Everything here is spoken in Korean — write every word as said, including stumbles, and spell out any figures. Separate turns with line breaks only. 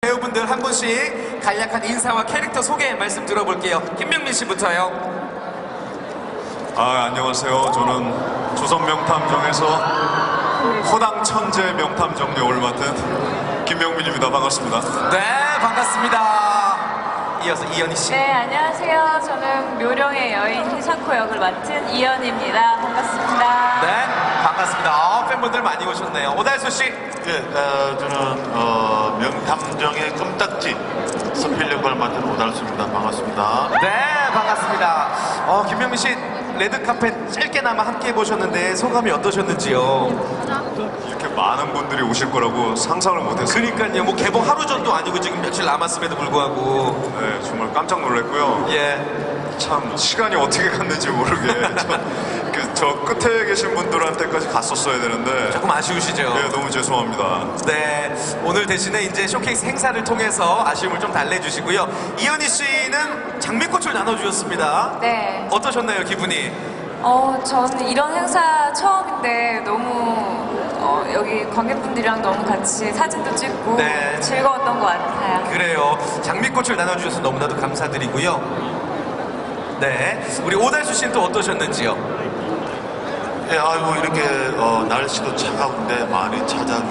배우분들 한 분씩 간략한 인사와 캐릭터 소개 말씀 들어볼게요. 김명민 씨부터요.
아, 안녕하세요. 저는 조선 명탐정에서 허당 천재 명탐정 역을 맡은 김명민입니다. 반갑습니다.
네, 반갑습니다. 이어서 이현희 씨.
네, 안녕하세요. 저는 묘령의 여인 희사코 역을 맡은 이연입니다. 반갑습니다.
네, 반갑습니다. 아, 팬분들 많이 오셨네요. 오달수 씨.
예, 어, 저는 어, 명탐정의 껌딱지 서필 역을 맡은 오달수입니다. 반갑습니다.
네, 반갑습니다. 어, 김명민 씨 레드카펫 짧게나마 함께 해보셨는데 소감이 어떠셨는지요?
이렇게 많은 분들이 오실 거라고 상상을 못했어요.
그러니까요, 뭐 개봉 하루 전도 아니고 지금 며칠 남았음에도 불구하고
네, 정말 깜짝 놀랐고요.
예,
참 시간이 어떻게 갔는지 모르게 저, 그, 저 끝에 계신 분들한테까지 갔었어야 되는데
조금 아쉬우시죠?
네, 너무 죄송합니다.
네, 오늘 대신에 이제 쇼케이스 행사를 통해서 아쉬움을 좀 달래주시고요. 이현희 씨는 장미꽃을 나눠주셨습니다.
네.
어떠셨나요, 기분이?
어, 저는 이런 행사 처음인데 너무 어, 여기 관객분들이랑 너무 같이 사진도 찍고
네.
즐거웠던 것 같아요.
그래요. 장미꽃을 나눠주셔서 너무나도 감사드리고요. 네, 우리 오달수 씨는 또 어떠셨는지요?
예, 아이고 이렇게 어, 날씨도 차가운데 많이 찾아